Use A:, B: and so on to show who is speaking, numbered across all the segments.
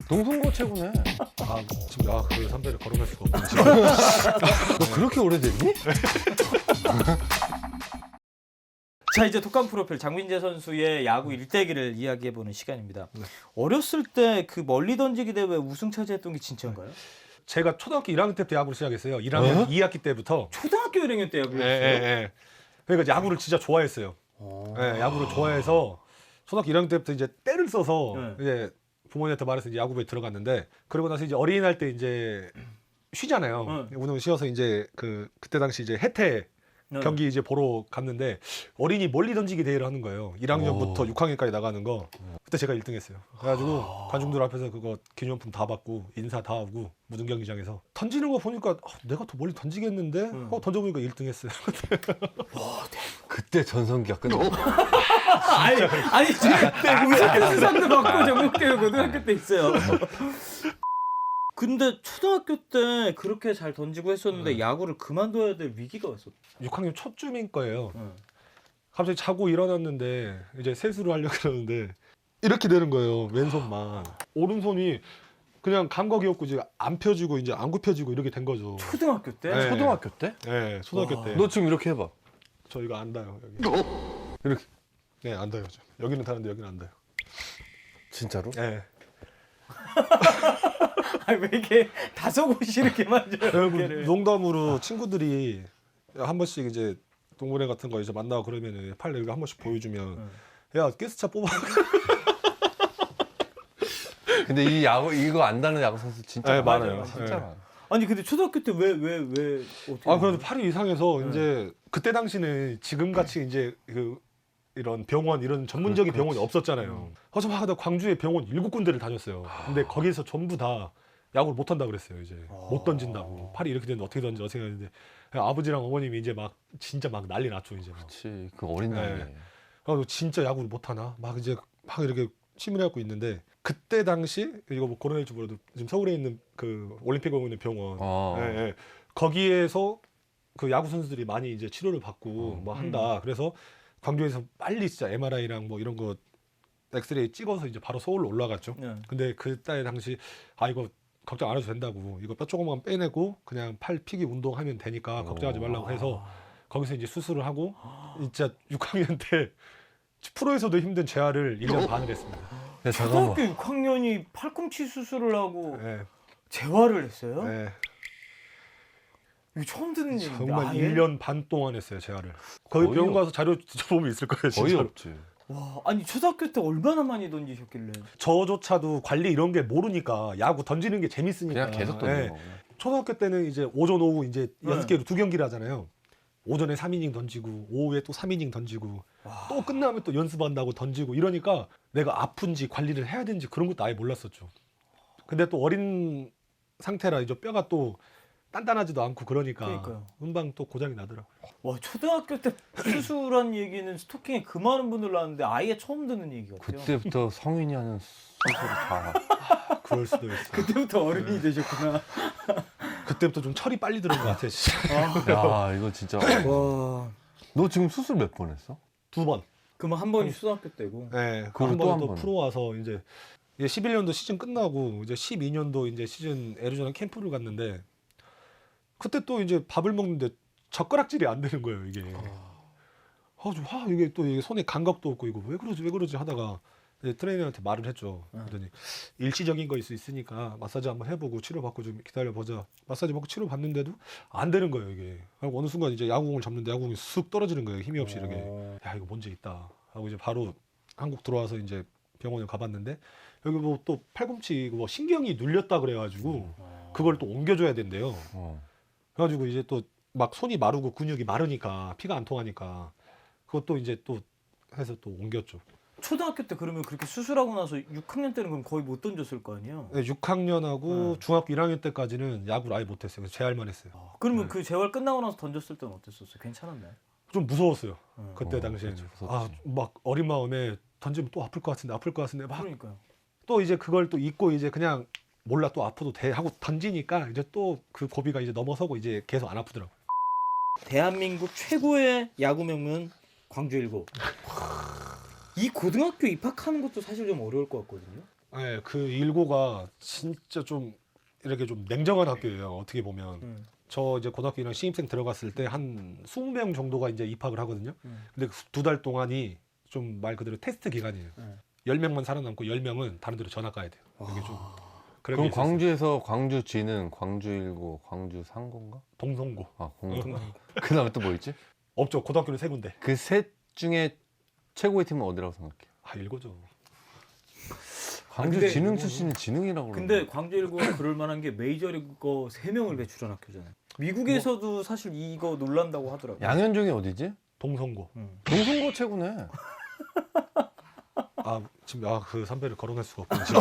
A: 농성고 최고네.
B: 지금 그 선배를 거론할 수가 없네.
A: 너 그렇게 오래됐니?
C: 자, 이제 독감 프로필 장민재 선수의 야구 일대기를 이야기해보는 시간입니다. 어렸을 때 그 멀리 던지기 대회 우승 차지했던 게 진짜인가요?
B: 제가 초등학교 1학년 때부터 야구를 시작했어요. 1학년 2학기 때부터.
C: 초등학교 1학년 때 야구를
B: 예,
C: 했어요?
B: 예. 그러니까 야구를 진짜 좋아했어요. 예, 야구를 좋아해서 초등학교 1학년 때부터 이제 때를 써서 이제 부모님한테 말해서 이제 야구부에 들어갔는데, 그러고 나서 이제 어린이날 때 이제 쉬잖아요. 운동 쉬어서 이제 그때 당시 이제 해태 경기 이제 보러 갔는데 어린이 멀리 던지기 대회를 하는 거예요. 1학년부터 6학년까지 나가는 거. 그때 제가 1등했어요. 그래가지고 관중들 앞에서 그거 기념품 다 받고 인사 다 하고 무등 경기장에서 던지는 거 보니까 내가 더 멀리 던지겠는데 던져보니까 1등했어요.
A: 그때 전성기가 끝났어.
C: 아니 제가 우승 수상도 받고 전국대회 고등학교 때 있어요. 근데 초등학교 때 그렇게 잘 던지고 했었는데 야구를 그만둬야 될 위기가 왔었어.
B: 6학년 초쯤인 거예요. 갑자기 자고 일어났는데 이제 세수를 하려고 그러는데 이렇게 되는 거예요. 왼손만. 오른손이 그냥 감각이 없고 이제 안 펴지고 이제 안 굽혀지고 이렇게 된 거죠.
C: 초등학교 때?
B: 네.
A: 초등학교 때?
B: 네, 초등학교 때.
A: 너 지금 이렇게 해봐.
B: 저 이거 안 닿아요. 여기.
A: 이렇게.
B: 네, 안 닿아요. 여기는 닿는데 여기는 안 닿아요.
A: 진짜로?
B: 네.
C: 아니 왜 이렇게 다소곳이 이렇게 만져요? 어깨를.
B: 농담으로 친구들이 한 번씩 이제 동물회 같은 거 이제 만나고 그러면은 팔 이렇게 한 번씩 보여주면 야 가스차 뽑아.
A: 근데 이 야구 이거 안다는 야구 선수 진짜
B: 네, 많아요.
A: 진짜
B: 네.
A: 많아.
C: 아니 근데 초등학교 때 왜 어떻게?
B: 그래도 팔이 이상해서 이제 그때 당시는 지금 같이 이제 이런 병원 이런 전문적인 병원이 없었잖아요. 그래서 막 하다 광주에 병원 7군데를 다녔어요. 근데 거기서 전부 다 야구를 못 한다 그랬어요. 이제 못 던진다고. 팔이 이렇게 되는데 어떻게 던져 어떻게 하는데 아버지랑 어머님이 이제 막 진짜 막 난리 났죠. 이제 막.
A: 그렇지. 그 어린 나이에.
B: 네. 그래서 진짜 야구를 못 하나 막 이제 막 이렇게 치밀해갖고 있는데 그때 당시 이거 뭐 코로나19 몰라도 지금 서울에 있는 그 올림픽공원 있는 병원 예. 거기에서 그 야구 선수들이 많이 이제 치료를 받고 뭐 한다. 그래서 광주에서 빨리 진짜 MRI랑 뭐 이런 거 엑스레이 찍어서 이제 바로 서울로 올라갔죠. 근데 그때 당시 이거 걱정 안 해도 된다고, 이거 뼈 조금만 빼내고 그냥 팔 피기 운동하면 되니까 걱정하지 말라고 해서 거기서 이제 수술을 하고 진짜 6학년 때 프로에서도 힘든 재활을 1년 반을 했습니다.
A: 야, 잠깐만.
C: 초등학교 6학년이 팔꿈치 수술을 하고
B: 네.
C: 재활을 했어요?
B: 네.
C: 이거 처음 듣는 얘기인데.
B: 정말
C: 아예?
B: 1년 반 동안 했어요, 재활을. 거기
A: 거의
B: 병원 가서 자료 보면 있을 거예요,
A: 거의
B: 진짜로.
A: 없지.
C: 와, 아니 초등학교 때 얼마나 많이 던지셨길래?
B: 저조차도 관리 이런 게 모르니까 야구 던지는 게 재밌으니까.
A: 그냥 계속 던지는
B: 네.
A: 거고.
B: 초등학교 때는 이제 오전 오후 이제
C: 네.
B: 6개로 2경기를 하잖아요. 오전에 3이닝 던지고 오후에 또 3이닝 던지고 또 끝나면 또 연습한다고 던지고 이러니까 내가 아픈지 관리를 해야 되는지 그런 것도 아예 몰랐었죠. 근데 또 어린 상태라 이제 뼈가 또 단단하지도 않고 그러니까
C: 그러니까요.
B: 금방 또 고장이 나더라고요.
C: 와, 초등학교 때 수술한 얘기는 스토킹에 그 많은 분들 나왔는데 아예 처음 듣는 얘기 같아요.
A: 그때부터 성인이 하는 수술을 다.
B: 그럴 수도 있어요.
C: 그때부터 어른이 되셨구나.
B: 그때부터 좀 철이 빨리 들은 것 같아요, 진짜.
A: 야, 이거 진짜.
C: 와,
A: 너 지금 수술 몇 번 했어?
B: 2번.
C: 그러면 한 번이 초등학교 때고.
B: 네,
A: 그리고
B: 한
A: 또
B: 번은
A: 한
B: 또
A: 번은?
B: 프로 와서 이제 11년도 시즌 끝나고 이제 12년도 이제 시즌 애리조나 캠프를 갔는데 그때 또 이제 밥을 먹는데 젓가락질이 안 되는 거예요, 이게. 이게 또 이게 손에 감각도 없고 이거 왜 그러지 하다가 이제 트레이너한테 말을 했죠. 그랬더니 일시적인 거일 수 있으니까 마사지 한번 해보고 치료받고 좀 기다려보자. 마사지 받고 치료받는데도 안 되는 거예요, 이게. 그리고 어느 순간 이제 야구공을 잡는데 야구공이 쑥 떨어지는 거예요, 힘이 없이 이렇게. 야, 이거 문제 있다 하고 이제 바로 한국 들어와서 이제 병원에 가봤는데 여기 뭐 또 팔꿈치 뭐 신경이 눌렸다 그래가지고 그걸 또 옮겨줘야 된대요. 그래가지고 이제 또 막 손이 마르고 근육이 마르니까 피가 안 통하니까 그것도 이제 또 해서 또 옮겼죠.
C: 초등학교 때 그러면 그렇게 수술하고 나서 6학년 때는 그럼 거의 못 던졌을 거 아니에요?
B: 6학년하고 중학교 1학년 때까지는 야구를 아예 못했어요. 그래서 재활만 했어요.
C: 그러면 그 재활 끝나고 나서 던졌을 때는 어땠었어요? 괜찮았나요?
B: 좀 무서웠어요. 그때 당시에는.
A: 그치, 무섭지.
B: 막 어린 마음에 던지면 또 아플 것 같은데 막
C: 그러니까요.
B: 또 이제 그걸 또 잊고 이제 그냥 몰라 또 아파도 돼 하고 던지니까 이제 또 그 고비가 이제 넘어서고 이제 계속 안 아프더라고요.
C: 대한민국 최고의 야구 명문 광주일고. 이 고등학교 입학하는 것도 사실 좀 어려울 것 같거든요.
B: 네, 그 일고가 진짜 좀 이렇게 좀 냉정한 학교예요. 어떻게 보면. 저 이제 고등학교 1학년 신입생 들어갔을 때 한 20명 정도가 이제 입학을 하거든요. 근데 그 2달 동안이 좀 말 그대로 테스트 기간이에요. 10명만 살아남고 10명은 다른 데로 전학 가야 돼요. 이게 좀 그런
A: 그럼
B: 게 있었어요.
A: 광주에서 광주 지능, 광주 일고, 광주 상고인가?
B: 동성고.
A: 아, 공고. 그다음에 또 뭐 있지?
B: 없죠. 고등학교는 3군데.
A: 그 셋 중에 최고의 팀은 어디라고 생각해?
B: 아, 일고죠.
A: 광주
C: 근데
A: 지능
B: 이거는-
A: 출신이 지능이라고
C: 근데
A: 그러는데.
C: 광주 일고가 그럴 만한 게 메이저리거 3명을 배출한 학교잖아요. 미국에서도 사실 이거 놀란다고 하더라고요.
A: 양현종이 어디지?
B: 동성고.
A: 동성고 최고네.
B: 아, 지금 그 선배를 거론할 수가 없군요. 지금.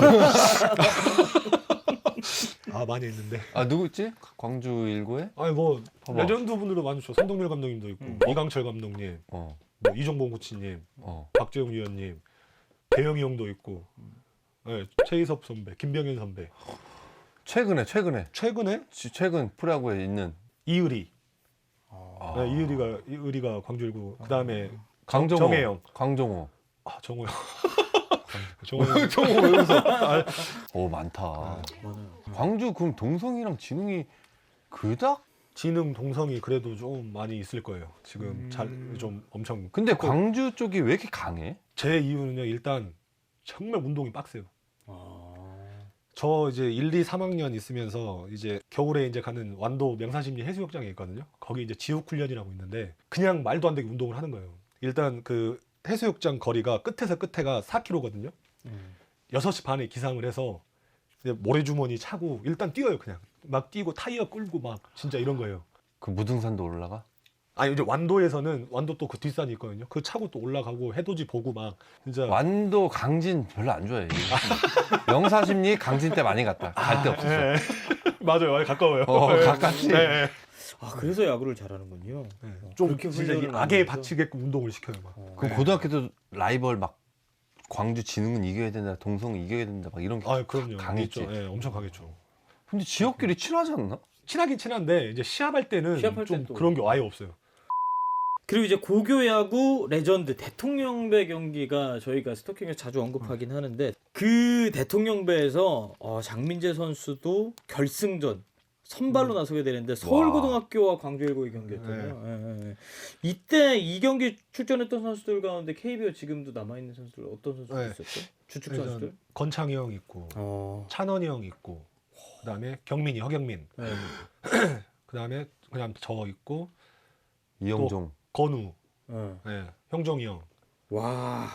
B: 아, 많이 있는데.
A: 아 누구 있지? 광주 일고에?
B: 아니 뭐
A: 봐봐.
B: 레전드 분들도 많으죠. 성동열 감독님도 있고 이강철 감독님,
A: 어,
B: 뭐 이종범 코치님,
A: 어.
B: 박재용 위원님, 대영이 형도 있고, 네, 최희섭 선배, 김병현 선배.
A: 최근에
B: 최근에
A: 최근 프로야구에 있는
B: 이의리.
A: 아.
B: 네, 이의리가 광주일고. 그다음에
A: 강정호,
B: 정혜영.
A: 강정호.
B: 아, 정호 형. 정호 형.
A: 정호 왜 웃어? 오 많다.
C: 많아요.
A: 광주 그럼 동성이랑 지능이 그닥?
B: 지능 동성이 그래도 좀 많이 있을 거예요. 지금 잘 좀 엄청.
A: 근데 광주 쪽이 왜 이렇게 강해?
B: 제 이유는요. 일단 정말 운동이 빡세요.
C: 아.
B: 저 이제 1, 2, 3학년 있으면서 이제 겨울에 이제 가는 완도 명산심리 해수욕장에 있거든요. 거기 이제 지옥 훈련이라고 있는데 그냥 말도 안 되게 운동을 하는 거예요. 일단 그 해수욕장 거리가 끝에서 끝에가 4km거든요. 6시 반에 기상을 해서 이제 모래주머니 차고 일단 뛰어요. 그냥 막 뛰고 타이어 끌고 막 진짜 이런 거예요.
A: 그 무등산도 올라가?
B: 아니 이제 완도에서는 완도 또 그 뒷산이 있거든요. 그 차고 또 올라가고 해돋이 보고 막 진짜
A: 완도 강진 별로 안 좋아해. 영사심리 강진 때 많이 갔다. 갈 데 없었어.
B: 예. 맞아요. 가까워요.
A: 어,
B: 예.
A: 가깝지.
B: 예.
C: 아 그래서 야구를 잘하는군요.
B: 좀
C: 그렇게
B: 진짜 이
C: 훈련을
B: 악에
C: 하면서?
B: 바치게끔 운동을 시켜요. 막.
A: 그럼 고등학교 때 라이벌 막 광주 지능은 이겨야 된다, 동성은 이겨야 된다, 막 이런 게.
B: 아, 그럼요.
A: 강했지.
B: 있죠. 예, 엄청 강했죠.
A: 근데 지역끼리 친하지 않나?
B: 친하긴 친한데 이제 시합할 때는
C: 시합할
B: 좀
C: 땐 또-
B: 그런 게 아예 없어요.
C: 그리고 이제 고교 야구 레전드 대통령배 경기가 저희가 스토킹에서 자주 언급하긴 하는데 그 대통령배에서 장민재 선수도 결승전 선발로 나서게 되는데 서울고등학교와 광주일고의 경기였잖아요. 예, 예. 이때 이 경기 출전했던 선수들 가운데 KBO 지금도 남아 있는 선수들 어떤 선수들
B: 네.
C: 있었죠? 주축 선수들?
B: 건창이 형 있고 찬원이 형 있고 그다음에 경민이 허경민
C: 네.
B: 그다음에 그냥 저 있고
A: 이영종.
B: 건우
C: 어.
B: 예, 형정이 형
C: 와.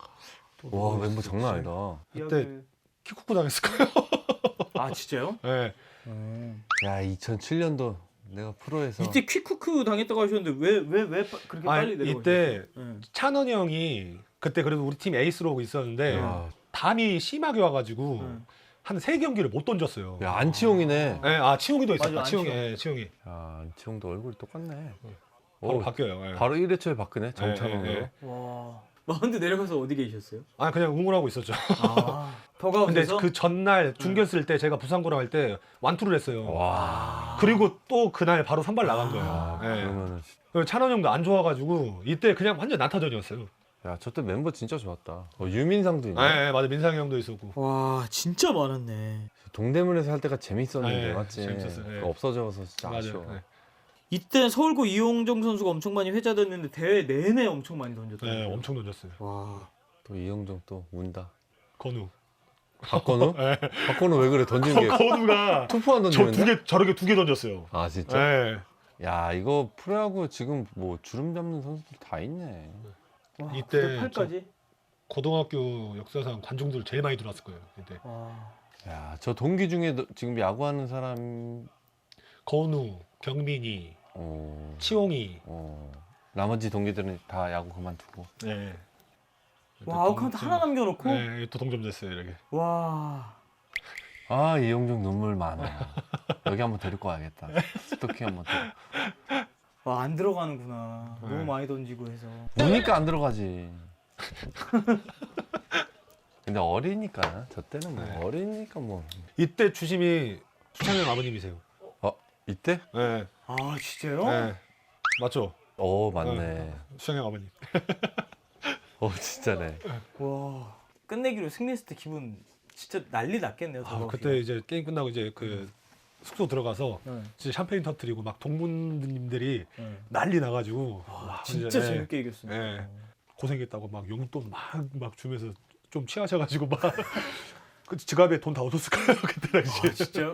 A: 와 멤버 장난 아니다.
B: 그때 키쿠쿠 당했을 거예요.
C: 아 진짜요?
B: 예.
A: 야 2007년도 내가 프로에서
C: 이때 퀵쿠크 당했다고 하셨는데 왜 그렇게 빨리 내려가셨어요?
B: 이때
C: 네.
B: 찬원이 형이 그때 그래도 우리 팀 에이스로 있었는데
A: 야,
B: 담이 심하게 와가지고
C: 네.
B: 한 3경기를 못 던졌어요.
A: 야 안치홍이네.
B: 예, 아 치용이도 있었다.
C: 맞아,
B: 치용이,
C: 안치홍.
B: 예, 치용이
A: 야 안치홍도 얼굴이 똑같네.
B: 바로
A: 오,
B: 바뀌어요. 예.
A: 바로 1회초에 바꾸네 정창훈으로.
B: 예, 예.
C: 와. 마운드 내려가서 어디 계셨어요?
B: 아 그냥 응원하고 있었죠.
C: 아.
B: 근데
C: 더가운데서
B: 그 전날 중견 쓸 때 제가 부산고랑 할 때 완투를 했어요.
A: 와.
B: 그리고 또 그날 바로 선발 나간 거예요.
A: 아,
B: 예.
A: 그러면은
B: 그리고 찬원 형도 안 좋아가지고 이때 그냥 완전 난타전이었어요.
A: 야 저 때 멤버 진짜 좋았다. 유민상도 있네.
B: 예, 맞아 민상이 형도 있었고.
C: 와 진짜 많았네.
A: 동대문에서 할 때가 재밌었는데
B: 예,
A: 맞지?
B: 재밌었어요. 예.
A: 없어져서 진짜
B: 맞아요.
A: 아쉬워.
B: 예.
C: 이때 서울고 이용정 선수가 엄청 많이 회자됐는데 대회 내내 엄청 많이 던졌더라고요.
B: 네, 엄청 던졌어요.
C: 와.
A: 또 이영종 또 운다.
B: 건우.
A: 박건우? 박건우 왜 그래 던지는 게
B: 건우가
A: 투포 안
B: 저
A: 던지는데?
B: 저렇게 2개 던졌어요.
A: 아 진짜?
B: 예.
A: 야 이거 프로야구 지금 뭐 주름 잡는 선수들 다 있네.
C: 와,
B: 이때
C: 8까지?
B: 고등학교 역사상 관중들 제일 많이 들어왔을 거예요. 이때.
C: 와.
A: 야 저 동기 중에 지금 야구하는 사람
B: 건우, 경민이, 치홍이.
A: 나머지 동기들은 다 야구 그만두고.
B: 네.
C: 와 아웃카운트 하나 남겨놓고?
B: 네, 또 동점 됐어요 이렇게.
C: 와.
A: 아 이영종 눈물 많아. 여기 한번 데리고 와야겠다. 스토킹 한번.
C: 와 안 들어가는구나.
B: 네.
C: 너무 많이 던지고 해서.
A: 우니까 안 들어가지. 근데 어리니까 저 때는 뭐
B: 네.
A: 어리니까 뭐.
B: 이때 주심이 수창현 아버님이세요.
A: 이때?
B: 네.
C: 아 진짜요?
B: 네. 맞죠?
A: 맞네.
B: 수창현 아버님.
A: 진짜네.
C: 와. 끝내기로 승리했을 때 기분 진짜 난리 났겠네요.
B: 그때 이제 게임 끝나고 이제 그 숙소 들어가서
C: 네.
B: 진짜 샴페인 터뜨리고 막 동문님들이
C: 네.
B: 난리 나가지고 와,
C: 진짜
B: 이제,
C: 재밌게 이겼습니다.
B: 예. 고생했다고 막 용돈 막 주면서 좀 취하셔가지고 막 그 지갑에 돈 다 얻었을 거예요 그때 당시에.
C: 진짜.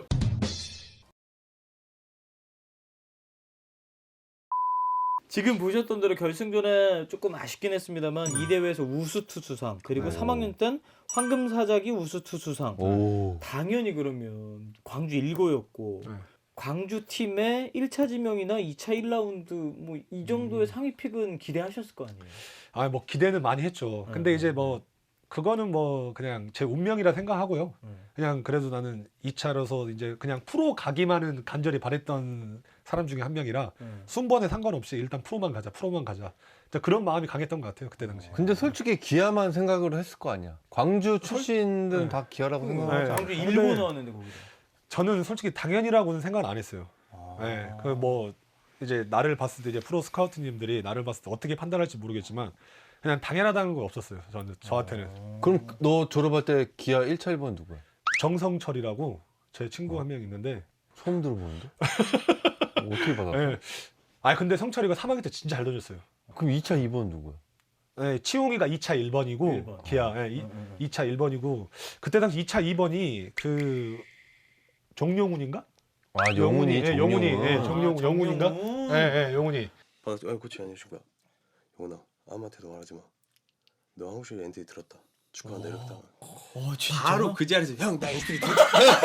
C: 지금 보셨던 대로 결승전에 조금 아쉽긴 했습니다만 이 대회에서 우수투수상 그리고
A: 네.
C: 3학년 땐 황금사자기 우수투수상
A: 오.
C: 당연히 그러면 광주 1고였고
B: 네.
C: 광주 팀의 1차 지명이나 2차 1라운드 뭐 이 정도의 상위 픽은 기대하셨을 거 아니에요.
B: 아, 뭐 기대는 많이 했죠. 근데
C: 네.
B: 이제 뭐 그거는 뭐 그냥 제 운명이라 생각하고요. 그냥 그래도 나는 2차로서 이제 그냥 프로 가기만은 간절히 바랬던 사람 중에 한 명이라 순번에 상관없이 일단 프로만 가자. 진짜 그런 마음이 강했던 것 같아요 그때 당시에.
A: 근데 솔직히 기아만 생각을 했을 거 아니야. 광주 출신들은
B: 네.
A: 다 기아라고
B: 네.
A: 생각하잖아.
C: 광주
B: 근데
C: 1고 나왔는데 거기서.
B: 저는 솔직히 당연이라고는 생각 안 했어요. 네, 그 뭐 이제 나를 봤을 때 이제 프로 스카우트님들이 나를 봤을 때 어떻게 판단할지 모르겠지만 그냥 당연하다는 건 없었어요. 저한테는.
A: 그럼 너 졸업할 때 기아 1차 1번 누구야?
B: 정성철이라고 제 친구 한 명 있는데.
A: 처음 들어보는데? 어떻게 받았어?
B: 네. 아 근데 성철이가 3학년 때 진짜 잘 던졌어요.
A: 그럼 2차 2번 누구야?
B: 네, 치용이가 2차 1번이고
C: 1번.
B: 기아 2차 1번이고 그때 당시 2차 2번이 그 정용훈인가?
A: 아 영훈이,
B: 예, 영훈이, 예,
A: 정용훈.
B: 영훈인가? 예, 예, 영훈이.
D: 반갑습니다. 아니 코치 안녕하십니까. 영훈아 아무한테도 말하지 마. 너 한국식 엔트리 들었다. 축하한다 이렇게 다.
C: 진짜?
D: 바로 그 자리에서 형 나 엔트리 들었다.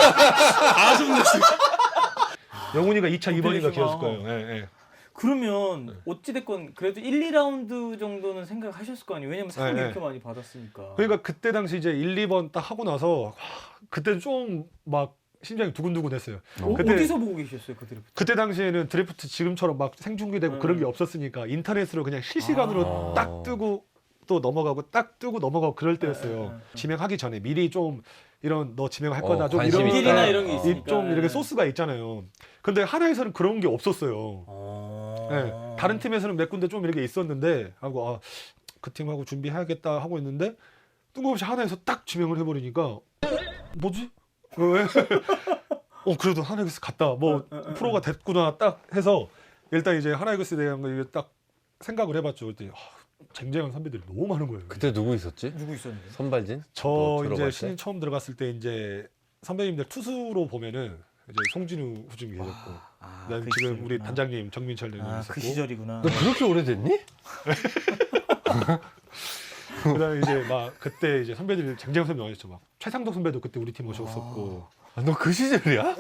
D: 아 소문났어.
B: 영훈이가 2차 2번인가
C: 그때시구나.
B: 기었을 거예요. 예, 예.
C: 그러면 어찌됐건 그래도 1, 2라운드 정도는 생각하셨을 거 아니에요. 왜냐면 상을
B: 네,
C: 이렇게 많이 받았으니까.
B: 그러니까 그때 당시 이제 1, 2번 딱 하고 나서 그때 좀 막 심장이 두근두근했어요. 그때-
C: 어디서 보고 계셨어요 그 드래프트?
B: 그때 당시에는 드래프트 지금처럼 막 생중계되고 그런 게 없었으니까 인터넷으로 그냥 실시간으로
A: 아.
B: 딱 뜨고 또 넘어가고 딱 뜨고 넘어가고 그럴 때였어요. 지명하기 전에 미리 좀 이런 너 지명할 거다 좀
A: 관심
B: 이런
A: 있다.
C: 일이나 이런 게 있으니까.
B: 좀 이렇게 소스가 있잖아요. 근데 하나에서는 그런 게 없었어요. 네, 다른 팀에서는 몇 군데 좀 이렇게 있었는데 하고 그 팀하고 준비해야겠다 하고 있는데 뜬금없이 하나에서 딱 지명을 해버리니까 뭐지? 왜? 그래도 하나이글스 갔다 뭐 프로가 됐구나 딱 해서 일단 이제 하나이글스에 대한 거 딱 생각을 해봤죠. 그때 쟁쟁한 선배들이 너무 많은 거예요.
A: 그때 누구 있었지?
C: 누구 있었는데?
A: 선발진?
B: 저
A: 너
B: 이제
A: 들어갈
B: 신인
A: 때?
B: 처음 들어갔을 때 이제 선배님들 투수로 보면은 이제 송진우 후중이 계셨고 난
C: 그
B: 지금
C: 시절이구나.
B: 우리 단장님 정민철 대님 있었고
C: 그 시절이구나.
A: 너 그렇게 오래됐니?
B: 그다음에 이제 막 그때 이제 선배들이 쟁쟁한 선배 많이 있죠. 막 최상덕 선배도 그때 우리 팀 오셨었고
A: 너 그 시절이야?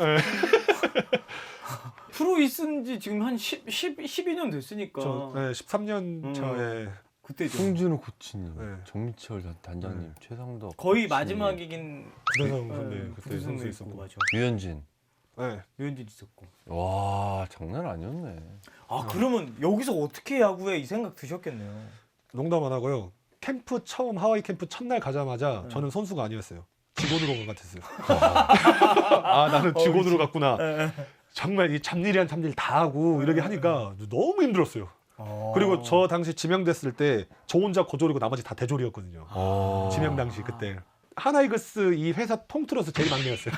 C: 프로 있은 지 지금 한 12년 됐으니까.
B: 저 13년 차에
C: 그때죠.
A: 송진우 코치님,
B: 네.
A: 정민철 단장님, 최상덕
C: 거의
A: 코치님,
C: 마지막이긴
B: 구대성 선배 그때
C: 구대성
B: 선수
C: 있고
B: 있었고
C: 맞아.
A: 유현진.
B: 네.
C: 유현진 있었고.
A: 와 장난 아니었네.
C: 그러면 여기서 어떻게 야구에 이 생각 드셨겠네요.
B: 농담 안 하고요. 캠프 처음 하와이 캠프 첫날 가자마자
C: 네.
B: 저는 선수가 아니었어요. 직원으로 간 것 같았어요. 나는 직원으로 갔구나. 정말 이 잡일이란 잡일 다 하고 이렇게 하니까 너무 힘들었어요. 그리고 저 당시 지명됐을 때 저 혼자 고졸이고 나머지 다 대졸이었거든요. 지명 당시 그때 하나이글스 이 회사 통틀어서 제일 막내였어요.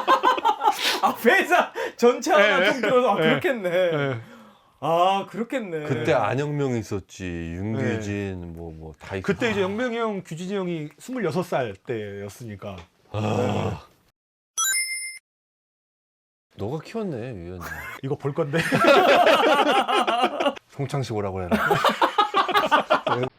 C: 회사 전체 하나
B: 네.
C: 통틀어서
B: 네.
C: 그렇겠네.
B: 네.
C: 그렇겠네.
A: 그때 안영명 있었지, 윤규진 뭐 다 있었.
B: 그때 이제 영명이 형, 규진이 형이 26살 때였으니까.
A: 너가 키웠네 유현진.
B: 이거 볼 건데.
A: 송창식 오라고 해라.